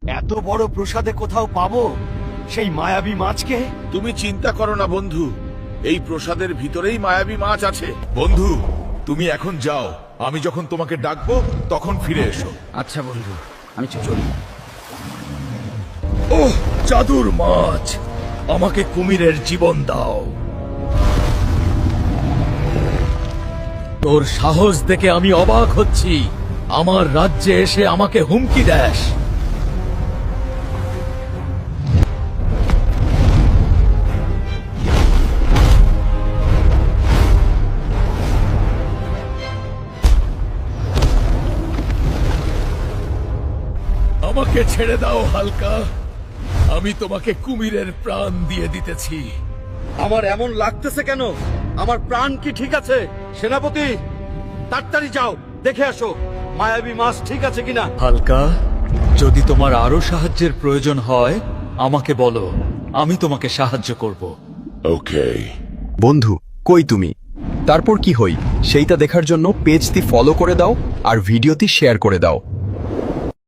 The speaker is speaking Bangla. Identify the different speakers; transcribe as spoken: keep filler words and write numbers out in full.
Speaker 1: এত বড় প্রসাদে কোথাও পাবো সেই মায়াবী মাছকে?
Speaker 2: তুমি চিন্তা করো না বন্ধু, এই প্রসাদের ভিতরেই মায়াবী মাছ আছে। বন্ধু, তুমি এখন যাও, আমি যখন তোমাকে ডাকবো তখন ফিরে এসো।
Speaker 1: আচ্ছা বন্ধু, আমি চলি।
Speaker 3: ওহ, জাদুর মাছ, আমাকে কুমিরের জীবন দাও। তোর সাহস দেখে আমি অবাক হচ্ছি, আমার রাজ্যে এসে আমাকে হুমকি দেস। আমাকে ছেড়ে দাও হালকা, আমি তোমাকে কুমিরের প্রাণ দিয়ে দিতেছি।
Speaker 1: আমার এমন লাগতেছে কেন? আমার প্রাণ কি ঠিক আছে? সেনাপতি, তাড়াতাড়ি যাও, দেখে আসো মায়াবী মাছ ঠিক আছে কিনা।
Speaker 3: হালকা, যদি তোমার আরো সাহায্যের প্রয়োজন হয় আমাকে বলো, আমি তোমাকে সাহায্য করব।
Speaker 2: ওকে।
Speaker 4: বন্ধু, কই তুমি? তারপর কি হই সেইটা দেখার জন্য পেজটি ফলো করে দাও আর ভিডিওটি শেয়ার করে দাও।